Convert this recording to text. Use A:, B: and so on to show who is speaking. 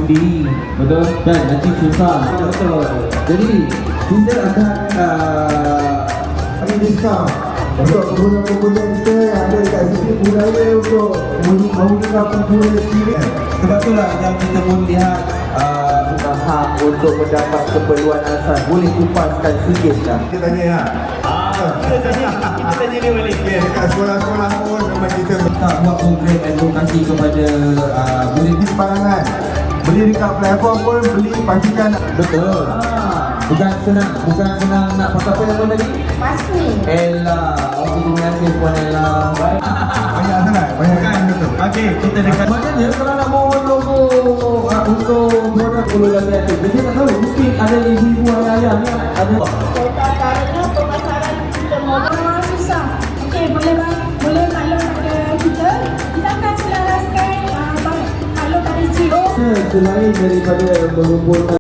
A: undi. Betul? Dan nanti susah. Betul. Jadi kita akan
B: ada diskaun untuk pengguna-pengguna kita yang ada dekat sini, budaya untuk menggunakan pengguna sini.
A: Sebab itulah yang kita pun lihat hak untuk mendapat keperluan asas. Boleh kupaskan sikit tak?
B: Kita tanya ya.
C: Kita tanya dia balik.
B: Dekat sekolah-sekolah pun memang kita
A: Tak buat program advokasi kepada boleh
B: di sebarangan. Beli dekat platform pun beli pastikan.
A: betul. Bukan senang nak pakai apa nama tadi?
D: Pasti.
A: Ella. Okey, terima kasih Puan Ella. Baik.
B: Banyak sangat, banyak kan betul.
C: Okey, kita dekat.
A: Maknanya kalau nak mohon logo untuk produk Pulau Labian tu, dia tak tahu mungkin ada ibu-ibu ayah-ayah ni ada.
D: Caranya pemasaran kita modal susah. Okey, boleh maklum pada kita. Kita akan selaraskan kalau pada Jio.
A: Selain daripada mengumpulkan